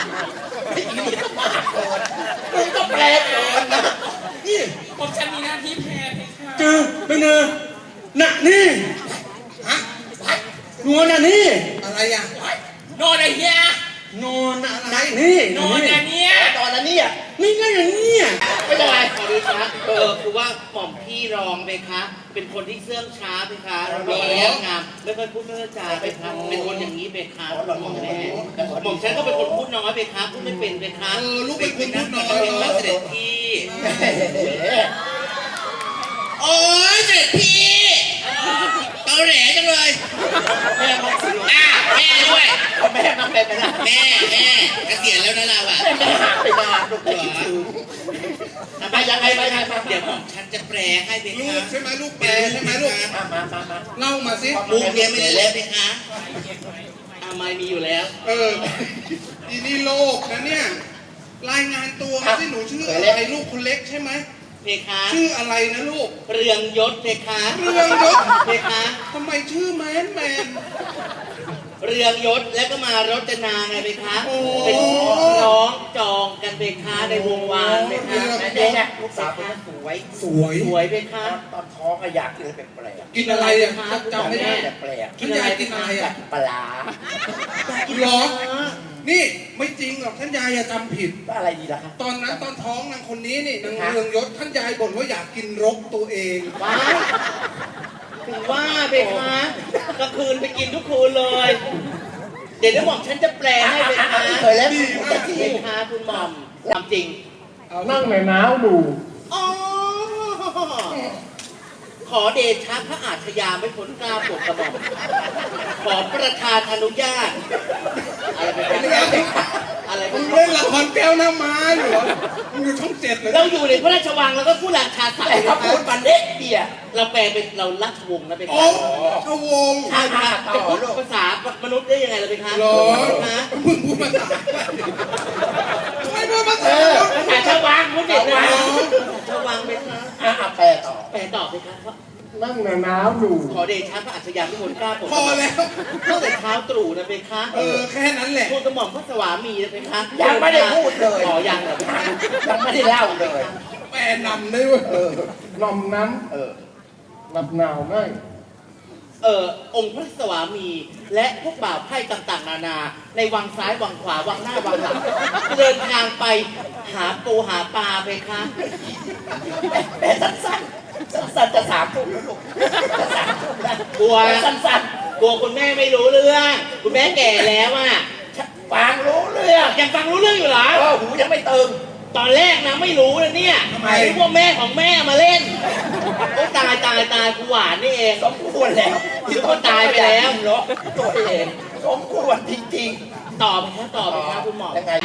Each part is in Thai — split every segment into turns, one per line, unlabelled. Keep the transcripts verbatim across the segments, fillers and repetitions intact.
ไอ้นี่ก็มากเกินมึงก็แปลเกินนะ
นี่
ผมฉันมีหน้าที่แพ้เพคะ
เจอเป็นเนอน่ะนี่ฮะนอนน่ะนี่อะไรอ่ะ
โนอนไอ้เฮีย
นอนอะไรนี่
โนอนอันเนี้ย
ตอนนั้นเนี่ย
นี่ก็อย่างนี้อ่ะ
ไม่เป็นไร
ขอดูครับเออคือว่าหม่อมพี่รองไปคะเป็นคนที่เสื่องช้าไปคะแล้วก็เลี้ยงงามไม่ค่อยพูดไม่ค่อยจาไปคะเป็นคนอย่างนี้ไปคะหม่อมแม่หม่อมฉันก็เป็นคนพูดน้อยไปคะพูดไม่เป็นไปคะ
เออลูกเป็นคนพูดน้อย
เป็นพระเสด็จพี่โอ้ยเสด็จพี่เกาแหลจังเลย
แม่มาสิ
อ่ะแม่ด้วย
แม่มาเป็นไปได้
แม่แม่เกษียณแล้วนะเราอ่ะ
แม่หาไปนานลูก
เหร
คิด
อ
ถึง
ทำไมยังไงไปไงเดี๋ยวหม่อมฉันจะแปลให้ไป
ลู
คะ
กใช่ไหมลูกแปลใช่ไหมลูก
มามามามา
เล่ามาสิ
มุกเรียนไม่ได้แล้วไหมคะอาไม่มีอยู่แล้ว
เอออีนี่โลกนะเนี่ยรายงานตัวมาสิหนูชื่ออะไรลูกคนเล็กใช่ไหม
เพคะ
ชื่ออะไรนะลูก
เรืองยศเพคะ
เรืองยศ
เพคะ
ทำไมชื่อแมนแมน
เรืองยศแล้วก็มารจนาไงเพคะ
โอ้
เป็นน้องจองกันเพคะในวงวานเพคะ
แม่เนี่ยลูกสาวคนนั้นสวย
สวย
สวยเพคะ
ตอนท้องอะอยากกินอะไรแปลก
กินอะไรอ่ะจำไม่ได้
ๆแปลก
ท่านยายกินอะไรอ่ะ
ๆปลา
หรอ นี่ไม่จริงหรอกท่านยายอย่าจำผิด
ก็อะไรดีล่ะคะ
ตอนนั้นตอนท้องนางคนนี้นี่นางเรืองยศท่านยายบ่นว่าอยากกินรกตัวเอง
ว้ายถึงว่าเพคะกลางคืนไปกินทุกคืนเลย เดี๋ยวเดี๋ยวหม่อมฉันจะแปลให้เพคะ
เคยแล้ว
ดีมาก
เพคะคุณหม่อมทำจริง
นั่งในน้าวดู
อ๋อขอเดชะพระอาชญาไม่พ้นกล้าปลดกระหม่อมขอประธานอนุญาต อะไรไปกันอะไรไป
มึง
กั
เล่
น
นละครแก้วหน้าม้าอยู่เหรอมึงอยู่ช่องเจ็ดเลย
เราอยู่ในพระราชวังแล้วก็ผู้ราชาศัก
แต่
ดิ์
เขาพูดมันเด็กเดีย
เราแปลเป็นเราราชวงศ์นะเป็น
อ๋อชวงศ์
ใช่ครับจะพูดภาษามนุษย์ได้ยังไงล่ะเป็นคะ
เหรอ
นะ
มึงพูดภาษาไม่พูดภาษา
ภาษาชาววังมุดเด็ดนะชาววังเป็นคะ
อ่ะแปลต่อ
แปลตอบเลยครับ
นั่งในน้าวดู
ขอเดชะพระอาชญาไม่พ้นกล้าปลด
พอแล้ว
ตั้งแต่เช้าตรู่นะเป็นคะ
เออแค่นั้นแหละ
พูดกระหม่อมพระสวามีนะเป็นคะ
ยังไม่ได้พูดเลย
อ๋อยังเหรอ
ยังไม่ได้เล่าเลย
แปลนำได้เว้ย
เออ
นอมนั้น
เออ
หนับหนาวไม่
เอ่อองค์พระสวามี และพวกบ่าวไพร่ต่างๆ นานา ในวังซ้ายวังขวาวังหน้าวังหลังเดินทางไปหาปูหาปลาไปคะ
แปลสั้นๆสั้นๆจะสามทุ่มแล้วลูกจะสามทุ่มแล้ว
กลัว
สั้น
กลัวคุณแม่ไม่รู้เรื่อง คุณแม่แก่แล้วอ่ะ
ๆฟังรู้เรื่อง
ยังฟังรู้เรื่องอยู่เหรอ
เออหูยังไม่ตึง
ตอนแรกนะไม่รู้เลยเนี่ย
ทำไม
นึกว่าแม่ของแม่มาเล่นโอ้ตายตายตายกูหวานนี่เอง
สมควรแล้ว
ที่เขาตายไปแล้ว
เนาะตัวเองสมควรจริง
ตอบไหมคะตอบไหมคะคุณหมอ
ๆยังไง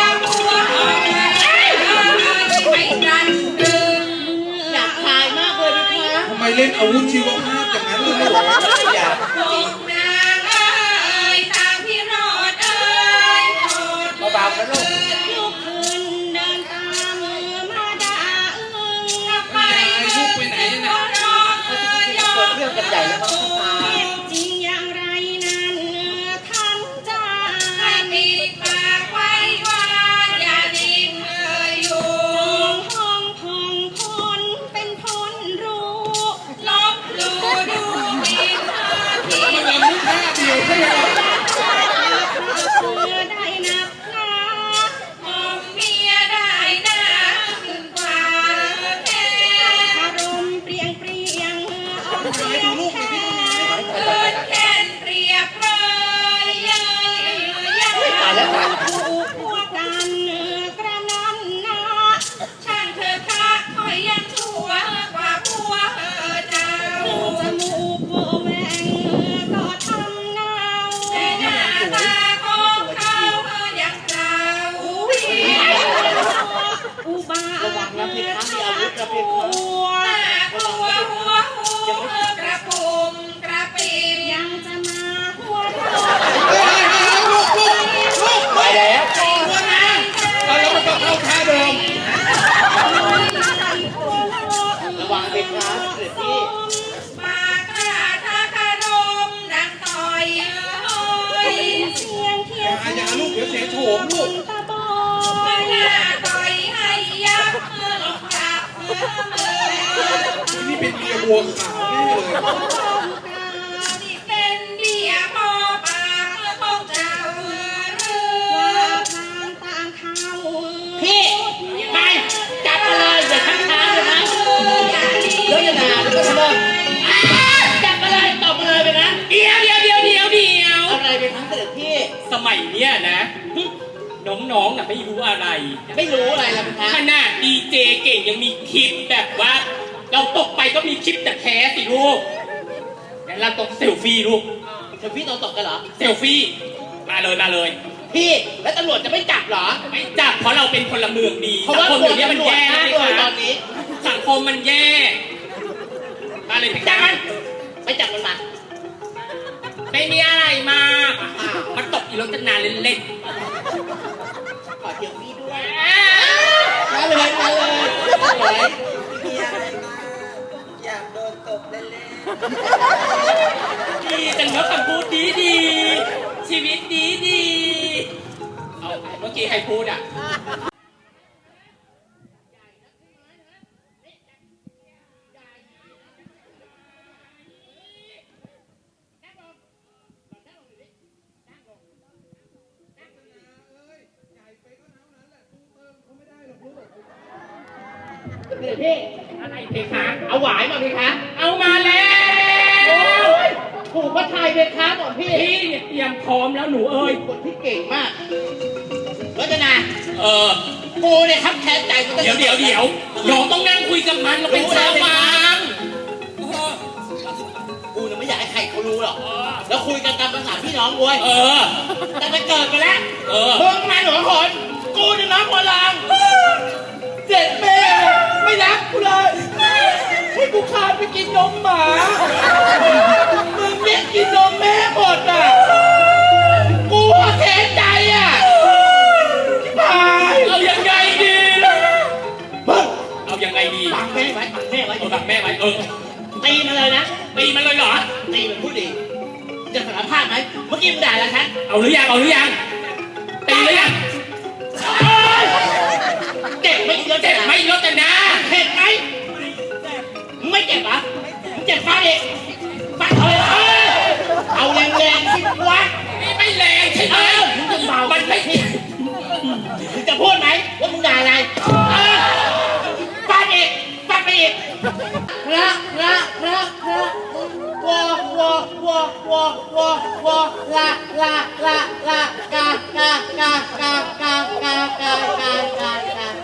อยากทายมากเลยไหมคะ
ทำไมเล่นอาวุธชีวภาพอย่างนั้นเลยลูก
อย่า เบาๆนะลูก
ยายลูกไปไหนเนี่ย
เปิดเรื่องกันใหญ่แล้วมั้งตา
จริงอย่างไรนั้นท่านจะปิดปากไว้ว่าอย่าดิ้นเลยอยู่ห้องพองคนเป็นคนรู้ลบหลู่ดูหมิ่นเธอ
มลูก
ตาบอยหน้าต่อยให้ยับเมื่อลงกราบเมื่อเมื่อ
นี่เป็นเมียวัวขาวแน่เลย
นี่เป็นเดียพอปากเมื่อพงเจ้าเรือเรือทางต่างเขา
พี่ไปจับมาเลยเดี๋ยวทั้งช้าเลยนะแล้วจะด่าแล้วก็ทะเลาะจับมาเลยตบมาเลยไปนะ
เดี๋ยวเดี๋ยวเดี๋ยวเดี๋ยวเดี๋ยว
อะไรไปทั้งเสด็จพี่
สมัยเนี้ยนะน้องๆน่ะไม่รู้อะไร
ไม่รู้อะไรล่ะพี่คะ
ขนาดดีเจเก่งยังมีคลิปแบบว่า เราตกไปก็มีคลิปแต่แท้สิลูกงั้นเราตกเซลฟี่ลูก
เธอพี่ตอนตกกันเหรอ
เซลฟี่มาเลยมาเลย
พี่แล้วตำรวจจะไม่จับเหรอ
ไม่จับเพราะเราเป็นพลเมืองดี
เพราะ
สั
ว่าง
คม
กลั
เดี๋
ว
ยวนี้มัน
ตำรวจ
แย่
น่า
นะ
กลัว
คะ
ตอนนี้
สังคมมันแย่มาเลยพี่
จั
จั
บ
น
มันไปจับมันมา
ไม่มีอะไรมากมันตกอีรถกันนานเล่น
ขอเจียวพี่ด้วย
ๆ
มาเลยมาเลยมาเลย
มีอะไรมากอยากโดนตบเล่น
ดีจังเนอะคำพูดดีดีชีวิตดีดีเอาเมื่อกี้ใครพูดอ่ะ
เดี๋ยวพี่
อะไรเพคะ
เอาหวายมาพี่คะ
เอามาแล้ว
ถูกพระไทยเป็นค้าหมดพี่
พี่เนี่ยเตรียมพร้อมแล้วหนูเอ้ย
คนที่เก่งมากรัตนา
เออ
กูเนี่ยครับแค้นใจกูตั้ง
เดี๋ยวเดี๋ยวเดี๋ยวน้องต้องนั่งคุยกับมันเราเป็นชาวบางเออ
กูเนี่ยไม่อยากให้ใครเขารู้หรอกแล้วคุยกันตามภาษาพี่น้องเว้ย
เออ
แต่จะเกิดไปแล้ว
เออ
มึงมาหนูคนกูเนี่ยน้องหัวลางเจ็ดแม่ไม่รักกูเลยให้กูคานไปกินนมหมามึงเนี่ยกินนมแม่หมดอ่ะกูอะแค้นใจอ่ะที่พาย
เอายังไงดีล่ะ
มึง
เอายังไงดี
ปังแม่ไว้ปังแม่ไว้
เอาดักแม่ไว้เออ
ตีมันเลยนะ
ตีมันเลยเหรอ
ตีมันพูดดีจะสารภาพไหมเมื่อกี้มึงด่าแล้วฉัน
เอาหรือยังเอาหรือยังตีหรือยัง
เจ็บไหมเดี๋ยว
เจ็
เจ็
บบ ไห
ไห
ม
ม
รถนะ
เจ็บไหมมึงไม่เจ็บเหรอมึงเจ็บฟาดเองฟาดเอาเลยเอาแรงๆสิวะ
นี่ไม่แรงใช่ไหม
มึงจะเบา
มันไม่
มึงจะพูดไหมว่ามึงด่าอะไรฟาดอีกฟาดไปอีกพระพระพระพระวอวอวอวอวอวอละละละละกากากากากากากากากากา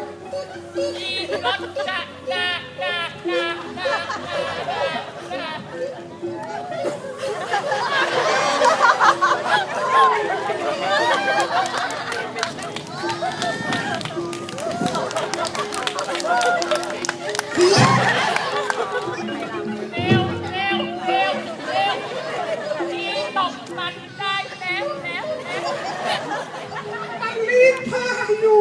รีดผ้าอยู่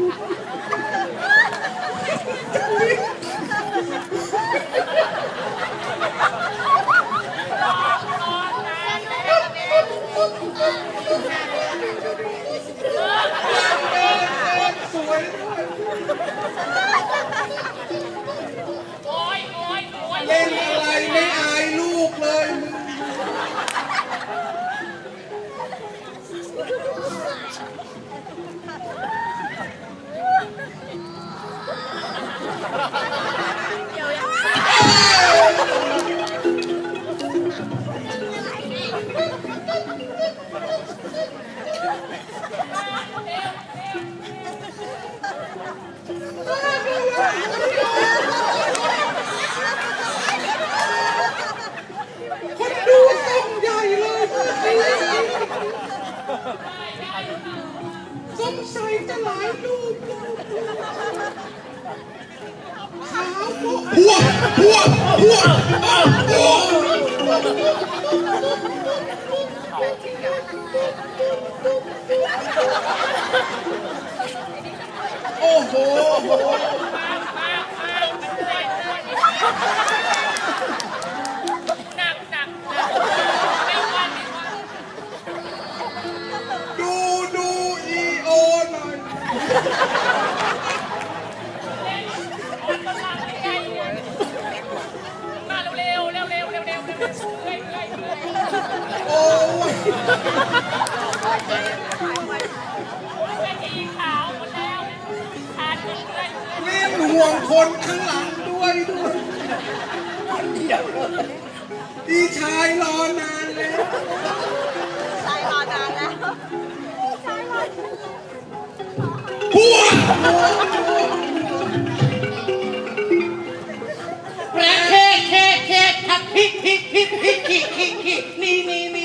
สวยเล่นอะไรไม่อายลูกเลยมึง คนดูส่งใหญ่เลยสงสัยจะหลายรูปขาวโป๊ะหัวหัวหัวหัวโอ้โหดูดูอีเล่นห่วงคนข้างหลังด้วยด้วยพี่ชายรอนานแล้ว
ชายรอนานแล้ว
พัว
พระเคเคเคทักพิกพิกพิกพิกขี้ขี้ขี้นี่นี่นี่